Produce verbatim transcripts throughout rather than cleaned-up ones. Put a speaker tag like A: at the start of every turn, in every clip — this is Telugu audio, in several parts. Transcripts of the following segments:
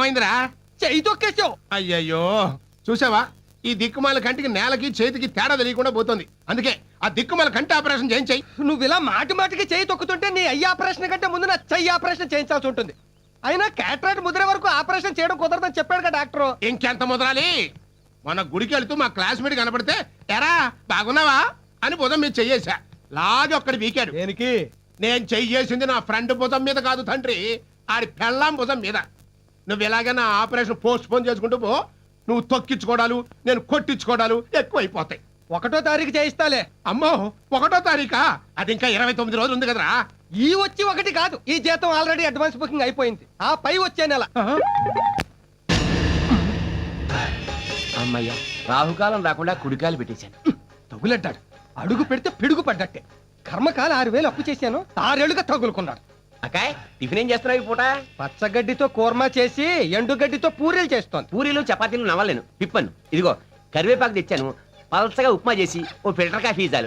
A: ఏమైందిరా?
B: చెయ్యి తొక్కేసావు.
A: అయ్యయ్యో చూసావా, ఈ దిక్కుమాల కంటికి నేలకి చేతికి తేడా తెలియకుండా పోతుంది. అందుకే ఆ దిక్కుమాల కంటి ఆపరేషన్ చేయించాయి.
B: నువ్వు ఇలా మాటి మాటికి చెయ్యి తొక్కుతుంటే నీ అయ్యి ఆపరేషన్ కంటే ముందు నా చెయ్యి ఆపరేషన్ చేయించాల్సి ఉంటుంది. అయినా క్యాటరాక్ట్ ముద్రే వరకు ఆపరేషన్ చేయడం కుదరదని చెప్పాడు కదా డాక్టర్.
A: ఇంకెంత ముదరాలి? మన గుడికి వెళ్తూ మా క్లాస్మేట్ కనపడితే ఎరా బాగున్నావా అని భుజం మీద చెయ్యేశా. లాగి ఒక్కడి వీకాడు.
B: దేనికి?
A: నేను చెయ్యేసింది నా ఫ్రెండ్ భుజం మీద కాదు తండ్రి, ఆడి పెళ్ళాం భుజం మీద. నువ్వు ఇలాగే నా ఆపరేషన్ పోస్ట్ పోన్ చేసుకుంటూ పో, నువ్వు తొక్కించుకోవడాలు నేను కొట్టించుకోవడాలు ఎక్కువైపోతాయి.
B: ఒకటో తారీఖు చేయిస్తాలే.
A: అమ్మో ఒకటో తారీఖా? అది ఇంకా ఇరవై తొమ్మిది రోజులు ఉంది కదరా.
B: ఈ వచ్చి ఒకటి కాదు, ఈ జీతం ఆల్రెడీ అడ్వాన్స్ బుకింగ్ అయిపోయింది. ఆ పై వచ్చే నెల.
C: అమ్మయ్యా, రాహుకాలం రాకుండా కుడికాయలు పెట్టేశాను.
B: తగులడ్డాడు. అడుగు పెడితే పిడుగు పడ్డట్టే. కర్మకాల ఆరు వేలు అప్పు చేశాను, ఆరేళ్లుగా తగులుకున్నాడు.
C: అకాయ్, టిఫిన్ ఏం చేస్తున్నావు ఈ పూట?
B: పచ్చగడ్డితో కూర్మా చేసి ఎండుగడ్డితో పూరీలు చేస్తోంది.
C: పూరీలు చపాతీలు నవ్వలేను, పిప్పను. ఇదిగో కరివేపాకు తెచ్చాను, పలసగా ఉప్మా చేసి ఓ ఫిల్టర్ కాఫీ చాలు.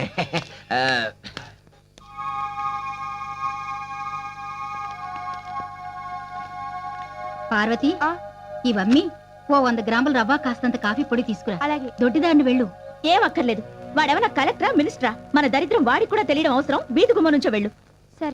D: పార్వతి, ఇవన్నీ ఓ వంద గ్రాముల రవ్వ, కాస్తంత కాఫీ పొడి తీసుకురా.
E: అలాగే.
D: దొడ్డిదాన్ని వెళ్ళు.
E: ఏం అక్కర్లేదు. వాడేమన్నా కలెక్టరా మినిస్టరా? మన దరిద్రం వాడికి కూడా తెలియడం అవసరం. వీధి గుమ్మ నుంచో వెళ్ళు. సరే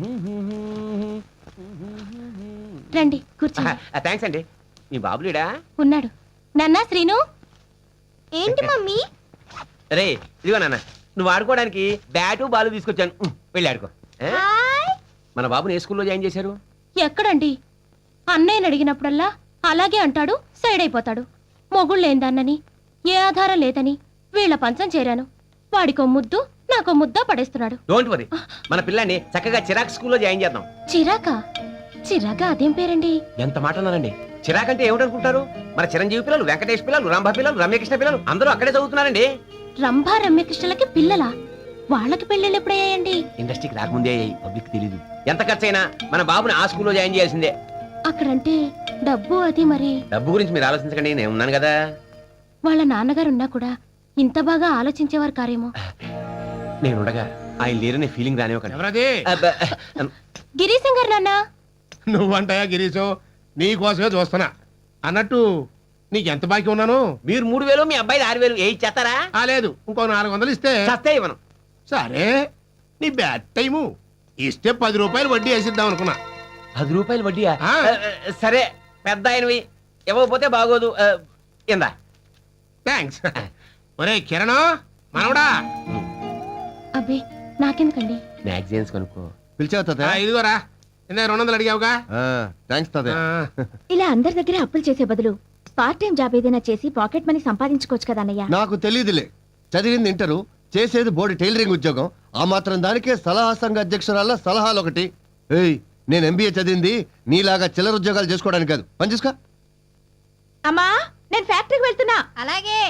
E: రండి కూర్చోండి.
C: థ్యాంక్స్ అండి. మీ బాబులేడా?
E: ఉన్నాడు. నాన్నా శ్రీను. ఏంటి మమ్మీ?
C: రే ఇదిగో నాన్న, నువ్వు ఆడుకోవడానికి బ్యాటు బాలు తీసుకొచ్చాను, వెళ్ళి ఆడుకో. మన బాబుని ఏ స్కూల్లో జాయిన్ చేశారు?
E: ఎక్కడండి? అన్నయ్యని అడిగినప్పుడల్లా అలాగే అంటాడు, సైడ్ అయిపోతాడు. మొగుళ్ళేందన్నని, ఏ ఆధారం లేదని వీళ్ళ పంచం చేరాను. వాడికో ముద్దు, నాకో ముద్ద పడేస్తున్నాడు.
C: డోంట్ వరీ, మన పిల్లాన్ని చక్కగా చిరాక్ స్కూల్లో జాయిన్ చేద్దాం.
E: చిరాకా? చిరాకా అదేం పేరండి?
C: ఎంత మాట అన్నారండి. చిరాక్ అంటే ఏమిటనుకుంటారు? మన చిరంజీవి పిల్లలు, వెంకటేష్ పిల్లలు, రంభ పిల్లలు, రమ్యకృష్ణ పిల్లలు అందరూ అక్కడే చదువుతున్నారండి.
E: రంభా రమ్యకృష్ణలకి పిల్లలా? వాళ్ళకి పెళ్ళిళ్ళు ఎప్పుడయ్యాయండి?
C: ఇండస్ట్రీకి రాకముందే అయ్యాయి, పబ్లిక్ తెలీదు. ఎంత ఖర్చైనా మన బాబుని ఆ స్కూల్లో జాయిన్ చేయాల్సిందే.
E: అక్కడంటే డబ్బు అది మరి.
C: డబ్బు గురించి మీరు ఆలోచించకండి, నేను ఉన్నాను కదా.
E: వాళ్ళ నాన్నగారు ఉన్నా కూడా ఇంత బాగా ఆలోచించేవారు కారేమో.
C: నేనుండగా ఆయన లేరనే ఫీలింగ్ రానివ్వకండి.
A: ఎవరది?
E: గిరీశం గారు నాన్న.
A: నువ్వంటాయా గిరీశం? నీ కోసమే చూస్తున్నా. అన్నట్టు నీకెంత బాకీ ఉన్నాను?
C: మీరు మూడు వేలు, మీ అబ్బాయి ఆరు వేలు ఏ ఇచ్చేస్తారా?
A: ఆ లేదు, ఇంకో నాలుగు వందలు ఇస్తే
C: చస్తే ఇవ్వను.
A: సరే, నీ బ్యాడ్ టైము. ఇస్తే పది రూపాయలు వడ్డీ వేసిద్దాం అనుకున్నా.
C: పది రూపాయలు వడ్డీయా?
A: ఆ.
C: సరే, పెద్ద ఆయనవి, ఇవ్వకపోతే బాగోదు. ఇందా.
A: థ్యాంక్స్. ఒరే కిరణ్ మనవడా,
E: అబ్బే నాకెందుకండి?
C: మ్యాగజైన్స్ కొనుక్కో.
F: పిలిచావు
A: ఆ, ఇదిగోరా, ఇందాక రెండు వందలు అడిగావుగా.
F: థ్యాంక్స్ తాతయ్య.
A: ఆ,
E: ఇలా అందరి దగ్గర అప్పులు చేసే బదులు పార్ట్ టైం జాబ్ ఏదైనా చేసి పాకెట్ మనీ సంపాదించుకోవచ్చు కదా అన్నయ్య.
F: నాకు తెలియదులే, చదివింది ఇంటరు, చేసేది బోర్డు టైలరింగ్ ఉద్యోగం. ఆ మాత్రం దానికే సలహా సంఘ అధ్యక్షురాల సలహాలు ఒకటి. ఏయ్, నేను ఎంబీఏ చదివింది నీలాగా చిల్లర ఉద్యోగాలు చేసుకోవడానికి కాదు. పని చూసుకో.
E: అమ్మా, నేను ఫ్యాక్టరీకి వెళ్తున్నా.
D: అలాగే.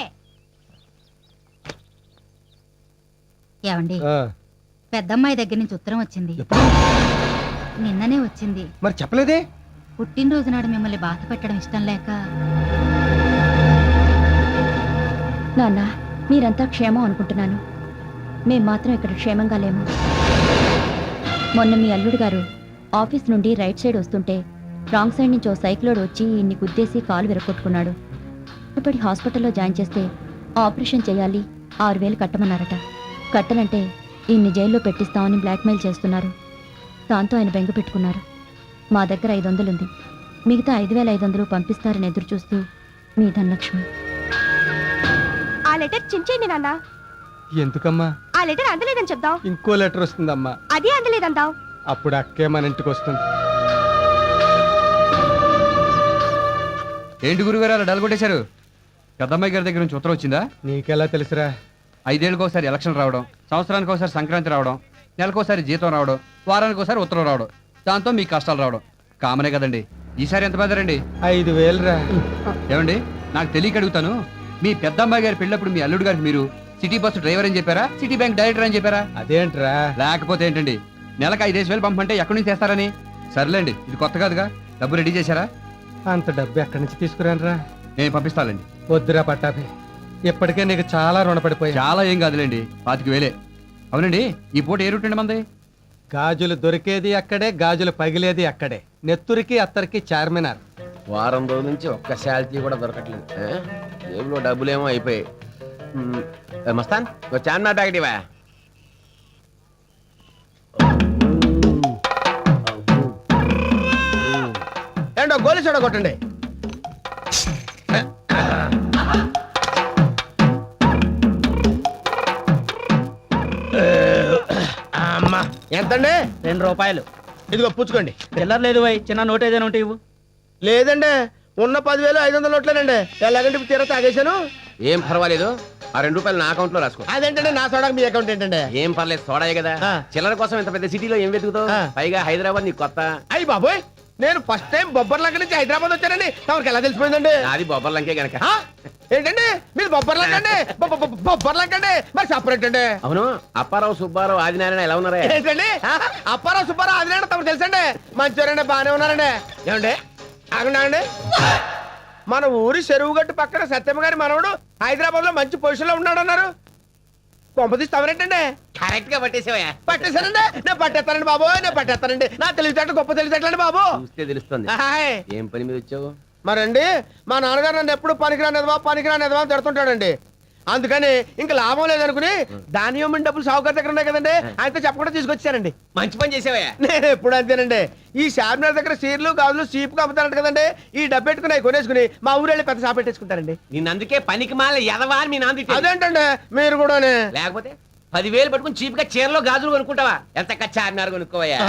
D: ఏమండి, పెద్దమ్మాయి దగ్గర నుంచి ఉత్తరం వచ్చింది. నిన్ననే వచ్చింది.
B: మరి చెప్పలేదే?
D: పుట్టినరోజు నాడు మిమ్మల్ని బాధ పెట్టడం ఇష్టం లేక.
E: నాన్న, మీరంతా క్షేమం అనుకుంటున్నాను. మేం మాత్రం ఇక్కడ క్షేమంగా లేము. మొన్న మీ అల్లుడు గారు ఆఫీస్ నుండి రైట్ సైడ్ వస్తుంటే రాంగ్ సైడ్ నుంచి ఓ సైక్లోడ్ వచ్చి ఇన్ని గుద్దేసి కాలు విరగొట్టుకున్నాడు. ఇప్పటి హాస్పిటల్లో జాయిన్ చేస్తే ఆపరేషన్ చేయాలి, ఆరు వేలు కట్టమన్నారట. కట్టనంటే ఇన్ని జైల్లో పెట్టిస్తామని బ్లాక్మెయిల్ చేస్తున్నారు. దాంతో ఆయన బెంగ పెట్టుకున్నారు. మా దగ్గర ఐదు వందలుంది, మిగతా ఐదు వేల ఐదు వందలు పంపిస్తారని ఎదురు చూస్తూ మీ ధనలక్ష్మి. ఆ లెటర్ చించేయండి నాన్న.
B: ఎందుకమ్మా?
E: ఆ లెటర్ అందలేదని చెప్దాం.
B: ఇంకో లెటర్ వస్తుందమ్మా.
E: అదే అందలేదందాం.
B: అప్పుడు అక్కే మన ఇంటికి వస్తుంది.
G: ఏంటి గురుగారు అలా డల్గొట్టేశారు? పెద్దమ్మాయి గారి దగ్గర నుంచి ఉత్తరం వచ్చిందా?
B: నీకెలా తెలుసురా?
G: ఐదేళ్ళకి ఒకసారి ఎలక్షన్ రావడం, సంవత్సరానికి ఒకసారి సంక్రాంతి రావడం, నెలకోసారి జీతం రావడం, వారానికి ఒకసారి ఉత్తరం రావడం, దాంతో మీ కష్టాలు రావడం కామనే కదండి. ఈసారి ఎంత పెద్దరండి?
B: ఐదు వేలురా.
G: ఏమండి, నాకు తెలియక అడుగుతాను, మీ పెద్దమ్మాయి గారి పెళ్ళప్పుడు మీ అల్లుడు గారికి మీరు సిటీ బస్సు డ్రైవర్ అని చెప్పారా, సిటీ బ్యాంక్ డైరెక్టర్ అని చెప్పారా?
B: అదేంట్రా?
G: లేకపోతే ఏంటండి, నెలకు ఐదేసి వేలు పంపంటే ఎక్కడి నుంచి చేస్తారని. సర్లేండి, ఇది కొత్త కాదుగా. డబ్బు రెడీ చేశారా?
B: అంత డబ్బు ఎక్కడి నుంచి తీసుకురానురా?
G: నేను పంపిస్తానండి.
B: వద్దురా పట్టాభి, ఇప్పటికే నీకు చాలా రుణపడిపోయా.
G: చాలా ఏం కాదులేండి, పాతికి వేలే. అవునండి, ఈ పూట ఏ రూట్ అండి మంది?
B: గాజులు దొరికేది అక్కడే, గాజులు పగిలేది అక్కడే. నెత్తురికి అత్తరికి చార్మినార్.
C: వారం రోజుల నుంచి ఒక్క శాలరీ కూడా దొరకట్లేదు ఆ? జేబులో డబ్బులేమో అయిపోయాయి మ్, ఏ మస్తాన్ ఓ చార్మినార్ ప్యాకెట్ ఇవా
B: ఏంటో గోలి చూడ కొట్టండి. అమ్మా ఎంతండి?
H: రెండు రూపాయలు
B: ఇదిగో పుచ్చుకోండి.
H: చిల్లర లేదు వై చిన్న నోట్ ఏదైనా ఉంటే ఇవ్వు.
B: లేదండి, ఉన్న పదివేలు ఐదు వందల నోట్లేనండి. ఎలాగంటే ఇప్పుడు తీరా తాగేశాను.
C: ఏం పర్వాలేదు ఆ రెండు రూపాయలు నా అకౌంట్ లో రాసుకో
B: అదేంటండి నా సోడాకి మీ అకౌంట్ ఏంటండి?
C: ఏం పర్లేదు సోడాయే కదా
B: ఆ.
C: చిల్లర కోసం ఇంత పెద్ద సిటీలో ఏం వెతుకుతావు
B: ఆ.
C: పైగా హైదరాబాద్ నీకు కొత్త
B: అయ్యి బాబోయ్, నేను ఫస్ట్ టైం బొబ్బర్లంక నుంచి హైదరాబాద్ వచ్చానండి. తమకి ఎలా తెలిసిపోయిందండి?
C: నాది బొబ్బర్లంకే గనక
B: ఆ? ఏంటండి మీరు బొబ్బర్లంక అండి? బొబ్బ- బొబ్బ- బొబ్బర్లంక అండి మరి సపరేట్ అండి.
C: అవును అప్పారావు సుబ్బారావు ఆదినారాయణ ఎలా ఉన్నారా
B: ఏంటండి ఆ? అప్పారావు సుబ్బారావు ఆదినారాయణ తమకు తెలుసండి. మంచివారండి, బాగానే ఉన్నారండి. ఏమండి ఆగండి. మన ఊరి చెరువు గట్టు పక్కన సత్యమ్మ గారి మనవడు హైదరాబాద్ లో మంచి పొజిషన్ లో ఉన్నాడు అన్నారు. కొంపతీసి తమరేంటండి?
C: కరెక్ట్ గా పట్టేసావా
B: పట్టేశానండి. నేను పట్టేస్తానండి బాబు, నేను పట్టేస్తానండి. నా తెలివితేటలు గొప్ప తెలివితేటలండి బాబు.
C: చూస్తే తెలుస్తుంది
B: హాయ్.
C: ఏం పని మీద వచ్చావు
B: మరండి మా నాన్నగారు నన్ను ఎప్పుడు పనికిరానిదవా పనికిరానిదవా అని తిడుతుంటాడండి. అందుకని ఇంకా లాభం లేదనుకుని దానియమైన డబ్బులు సావుకారు దగ్గర ఉన్నాయి కదండి, ఆయనతో చెప్పకుండా తీసుకొచ్చానండి.
C: మంచి పని చేసావా
B: నేను ఎప్పుడు అంతేనండి. ఈ షార్మినార్ దగ్గర సీర్లు గాజులు సీపుగా అమ్ముతారంట కదండి, ఈ డబ్బు పెట్టుకుని అవి కొనేసుకుని మా ఊరు వెళ్ళి పెద్ద షాప్ పెట్టేసుకుంటారండి.
C: నిన్ను అందుకే పనికి మాల ఎదవా అని మీ నాన్న తిట్టాడు.
B: అదేంటండి మీరు కూడానే?
C: లేకపోతే పదివేలు పట్టుకుని చీప్ గా చీరలో గాజులు కొనుక్కుంటావా ఎంత చార్మినార్ కొనుక్కోవయ్యా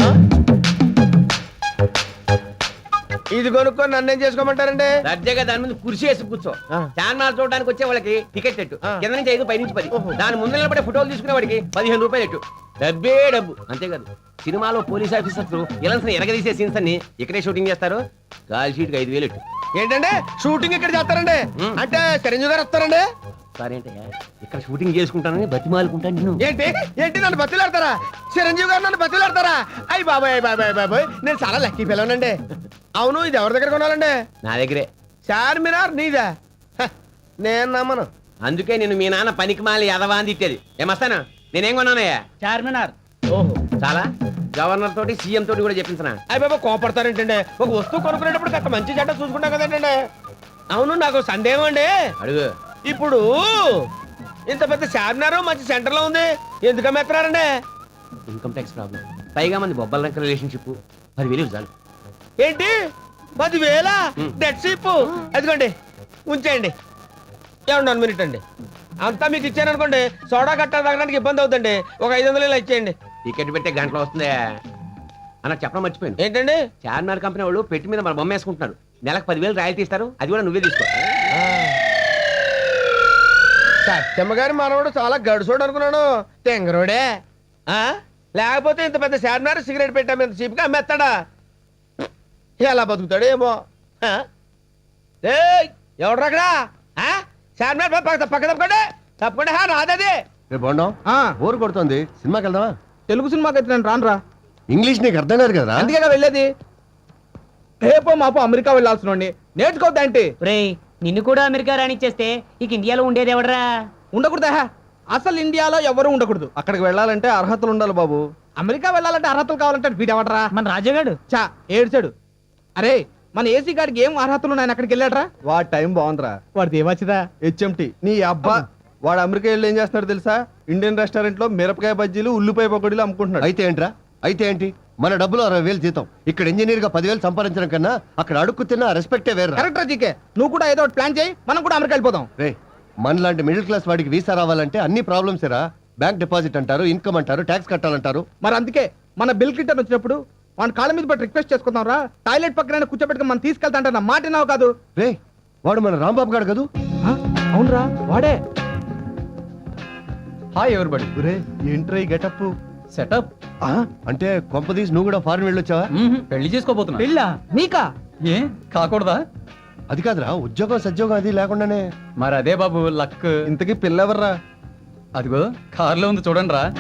B: ఇది కొనుక్కొని నన్నేం చేసుకోమంటారండి?
C: దర్జాగా దాని ముందు కుర్చీ వేసి కూర్చో
B: ఆ.
C: చార్మినార్ చూడడానికి వచ్చే వాళ్ళకి టికెట్ ఎట్టు
B: ఆ.
C: కింద నుంచి ఐదు పై నుంచి పది
B: ఓహో.
C: దాని ముందు నిలబడే ఫోటోలు తీసుకునే వాడికి పదిహేను రూపాయలు ఎట్టు డబ్బే డబ్బు అంతేకాదు సినిమాలో పోలీస్ ఆఫీసర్స్ ఇలాంటి ఎరగదీసే సీన్స్ అన్ని ఇక్కడే షూటింగ్ చేస్తారు కాల్ షీట్ కి ఐదు వేలు ఎట్టు
B: ఏంటండి షూటింగ్ ఇక్కడ చేస్తారండి?
C: ఉమ్.
B: అంటే చిరంజీవి గారు వస్తారండి?
C: సరే అంటే ఇక్కడ షూటింగ్ చేసుకుంటానని బతిమాలుకుంటాను నిన్ను
B: ఏంటి ఏంటి నన్ను బతిలాడతారా? చిరంజీవి గారు నన్ను బతిలాడతారా? అయ్యి బాబాయ్ బాబాయ్ బాబాయ్ నేను చాలా లక్కీ పిల్లనండి. అవును ఇది ఎవరి దగ్గర కొనాలండి?
C: నా దగ్గరే
B: చార్మినార్ నీదా? హ, నేను నమ్మను.
C: అందుకే నేను మీ నాన్న పనికి మాలి ఎదవా అని తిట్టేది ఏమస్తానా నేనేం కొన్నానయ్యా
H: చార్మినార్.
C: ఓహో చాలా గవర్నర్ తోటి సీఎం తోటి కూడా చెప్పించనా
B: అయ్యి బాబా కోపడతారేంటండి? ఒక వస్తువు కొనుక్కునేటప్పుడు కాస్త మంచి చెడ్డ చూసుకుంటాం కదండి. అవును నాకు సందేహం అండి.
C: అడుగు
B: ఇప్పుడు ఇంత పెద్ద చార్మినార్ మంచి సెంటర్ లో ఉంది, ఎందుకు అమ్మేస్తున్నారండి?
C: ఇన్కమ్ ట్యాక్స్ ప్రాబ్లం పైగా మంది బొబ్బల రంక రిలేషన్షిప్ పదివేలు చాలు
B: ఏంటి పదివేల
C: ఉమ్.
B: డెట్ సీప్? అదిగోండి ఉంచేయండి. ఏమండి వన్ మినిట్ అండి, అంతా మీకు ఇచ్చాను అనుకోండి సోడా కట్ట తాగడానికి ఇబ్బంది అవుతుంది. ఒక ఐదు వందలు ఇలా ఇచ్చేయండి.
C: టికెట్ పెట్టే గంటలో వస్తుందే అన్న చెప్పడం మర్చిపోయాను
B: ఏంటండి?
C: చార్మినార్ కంపెనీ వాళ్ళు పెట్టి మీద మన బొమ్మ వేసుకుంటున్నారు నెలకు పదివేలు రాయల్టీ ఇస్తారు అది కూడా నువ్వే తీసుకో
B: సత్యమ్మ గారి మనవడు చాలా గడుసోడు అనుకున్నాను, తెంగరోడే. ఆ? లేకపోతే ఇంత పెద్ద చార్మినార్ సిగరెట్ పెట్టా మీద చీప్గా అమ్మేస్తాడా? ఎలా బతుకుతాడు ఏమో. ఆ? ఏయ్, ఎవడ్రా అక్కడ? ఆ? చార్మినార్ పక్క పక్క పక్క తప్పకండి తప్పకుండా హా నాదది.
F: రే బాగుండం బోర్ కొడుతుంది సినిమాకి వెళ్దామా?
B: తెలుగు సినిమాకి అయితే నేను రాను రా,
F: ఇంగ్లీష్ నీకు అర్థం కాదు కదా?
B: అందుకే వెళ్ళేది. రేపో మాపో అమెరికా వెళ్ళాల్సిన నేర్చుకోవద్దంటే
H: రేయ్ నిన్ను కూడా అమెరికా రానిచ్చేస్తే ఇక ఇండియాలో ఉండేది ఎవడరా?
B: ఉండకూడదా? అసలు ఇండియాలో ఎవరు ఉండకూడదు. అక్కడికి వెళ్ళాలంటే అర్హతలు ఉండాలి బాబు. అమెరికా వెళ్ళాలంటే అర్హతలు కావాలంటే వీడెవడరా?
H: మన రాజాగాడు.
B: చా ఏడ్చాడు. అరే మన ఏసీ గారికి ఏం అర్హతలు ఉన్నాయి అక్కడికి వెళ్ళాడరా?
I: వాడి టైం బాగుందిరా.
B: వాడిది ఏమొచ్చిదా?
I: హెచ్ఎంటి నీ అబ్బా వాడు అమెరికా వెళ్ళి ఏం చేస్తున్నాడు తెలుసా? ఇండియన్ రెస్టారెంట్ లో మిరపకాయ బజ్జీలు ఉల్లిపాయ పకోడీలు అమ్ముకుంటున్నాడు.
F: అయితే ఏంట్రా అయితే ఏంటి మన డబ్బులు అరవై వేలు జీతం ఇక్కడ ఇంజనీర్ గా పదివేలు సంపాదించడం కన్నా అక్కడ అడుక్కు తిన్న రెస్పెక్టే వేరు.
B: కరెక్ట్ రా జీకే, నువ్వు కూడా ఏదో ఒకటి ప్లాన్ చేయి, మనం కూడా అమెరికా వెళ్ళిపోదాం.
F: రే మన లాంటి మిడిల్ క్లాస్ వాడికి వీసా రావాలంటే అన్ని ప్రాబ్లమ్స్ రా. బ్యాంక్ డిపాజిట్ అంటారు, ఇన్కమ్ అంటారు, ట్యాక్స్ కట్టాలంటారు.
B: మరి అందుకే మన బిల్ క్లింటన్ వచ్చినప్పుడు వాడి కాళ్ళ మీద పట్టి రిక్వెస్ట్ చేసుకుందాం రా, టాయిలెట్ పక్కన కూర్చోబెట్టుకుని మనం తీసుకెళ్తా అంటే నా మాట నావు కాదు.
F: రే వాడు మన రాంబాబు గాడు కదూ?
B: అవునరా వాడే.
I: హాయ్ ఎవరిబడి. ఒరే ఏంట్రా ఈ గెటప్
G: సెటప్
F: అంటే కొంపదీసి నువ్వు కూడా ఫారెన్ వెళ్ళొచ్చావా?
G: పెళ్లి చేసుకోబోతున్నా
B: పెళ్ళా నీకా?
G: ఏ కాకూడదా?
F: అది కాదురా ఉద్యోగం సద్యోగం అది లేకుండానే.
G: మరి అదే బాబు లక్.
I: ఇంతకీ పిల్లెవర్రా?
G: అదిగో కారులో ఉంది చూడండి రా.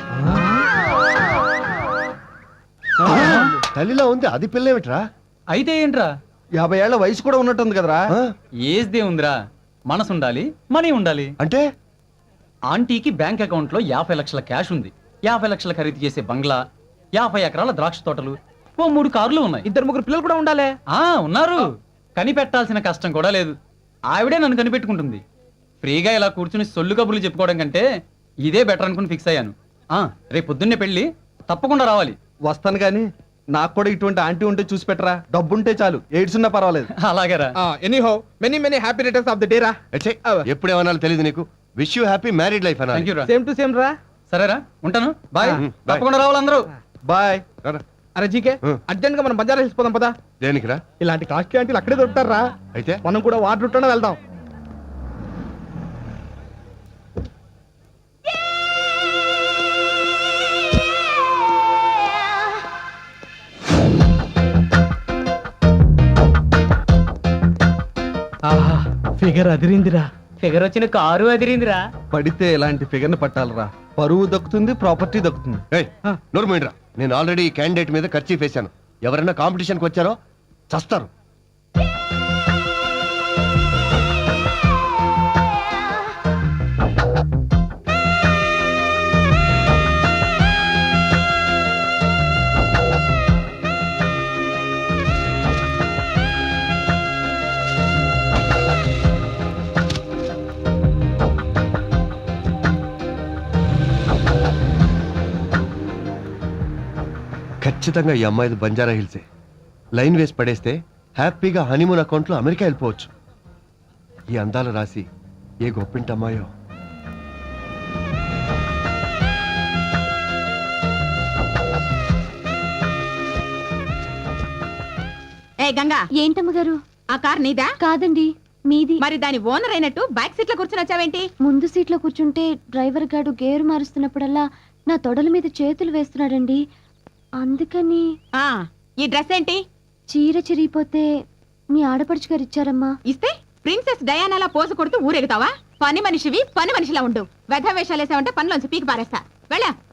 F: తల్లిలో ఉంది అది పిల్ల ఏమిట్రా?
G: అయితే ఏంట్రా
I: యాభై ఏళ్ల వయసు కూడా ఉన్నట్టుంది కదరా?
F: ఆ?
G: ఏజ్ దే ఉందిరా, మనసు ఉండాలి, మనీ ఉండాలి.
F: అంటే
G: ఆంటీకి బ్యాంక్ అకౌంట్ లో యాభై లక్షల క్యాష్ ఉంది, యాభై లక్షల ఖరీదు చేసే బంగ్లా, యాభై ఎకరాల ద్రాక్ష తోటలు, ఓ మూడు కార్లు ఉన్నాయి.
B: ఇద్దరు ముగ్గురు పిల్లలు కూడా ఉండాలి.
G: ఆ ఉన్నారు.
J: కనిపెట్టాల్సిన కష్టం కూడా లేదు. ఆవిడే నన్ను కనిపెట్టుకుంటుంది. ఫ్రీగా ఇలా కూర్చుని సొల్లు కబుర్లు చెప్పుకోవడం కంటే ఇదే బెటర్ అనుకుని ఫిక్స్ అయ్యాను. ఆ, రేపు పొద్దున్నే పెళ్ళి, తప్పకుండా రావాలి.
I: వస్తాను కానీ నాకు కూడా ఇటువంటి ఆంటీ ఉంటే చూసి పెట్టరా. డబ్బుంటే చాలు, ఎయిడ్స్ ఉన్నా పర్వాలేదు.
J: అలాగేరా.
B: Anyhow many many happy returns of the day రా.
F: ఎచ్చే, ఎప్పుడు ఏమన్నా తెలియదు నీకు. Wish you happy married life
J: thank you
F: అన్నా.
J: రా.
B: సేమ్ టు సేమ్ రా.
J: సరేరా, ఉంటాను. బాయ్.
F: ఆ, బాయ్.
J: తప్పకుండా రావాలి అందరూ.
I: బాయ్.
B: అరే జీకే
F: హ్మ్.
B: అర్జెంట్ గా మనం బజార్ వెళ్ళిపోదాం పదా.
F: దేనికిరా?
B: ఇలాంటి కాస్ట్లీ ఆంటీలు అక్కడే దొరుకుతారా.
F: అయితే
B: మనం కూడా వాటర్ రూట్లోనే వెళ్దాం. ఆహా ఫిగర్ అదిరిందిరా.
H: ఫిగర్ వచ్చిన కారు అదిరిందిరా.
I: పడితే ఇలాంటి ఫిగర్ని పట్టాలరా. పరువు దక్కుతుంది, ప్రాపర్టీ దక్కుతుంది.
F: ఏయ్, నోరు మూయండిరా. నేను ఆల్రెడీ ఈ క్యాండిడేట్ మీద ఖర్చు వేశాను. ఎవరైనా కాంపిటీషన్కి వచ్చారో చస్తారు. ఖచ్చితంగా ఈ అమ్మాయిది బంజారా హిల్సే. లైన్ వేసి పడేస్తే హ్యాపీగా హనీమూన్ అకౌంట్లో అమెరికా వెళ్ళిపోవచ్చు. ఈ అందాల రాసి ఏ గొప్పింటి అమ్మాయో.
K: ఏ గంగా,
E: ఏంటమ్మ గారు?
K: ఆ కార్ నీదా?
E: కాదండి, మీది.
K: మరి దాని ఓనర్ అయినట్టు బ్యాక్ సీట్ లో కూర్చుని వచ్చావేంటి?
E: ముందు సీట్లో కూర్చుంటే డ్రైవర్ గారు గేరు మారుస్తున్నప్పుడల్లా నా తొడల మీద చేతులు వేస్తున్నాడండి. అందుకని
K: ఆ ఈ డ్రెస్ ఏంటి?
E: చీర చిరిగిపోతే మీ ఆడపడుచు గారు ఇచ్చారమ్మా.
K: ఇస్తే ప్రిన్సెస్ డయానాలా పోజు కొడుతూ ఊరెగుతావా? పని మనిషివి, పని మనిషిలా ఉండు. వెధ వేషాలు వేసావంటే పనిలోంచి పీకి పారేస్తా. వెళ్ళా.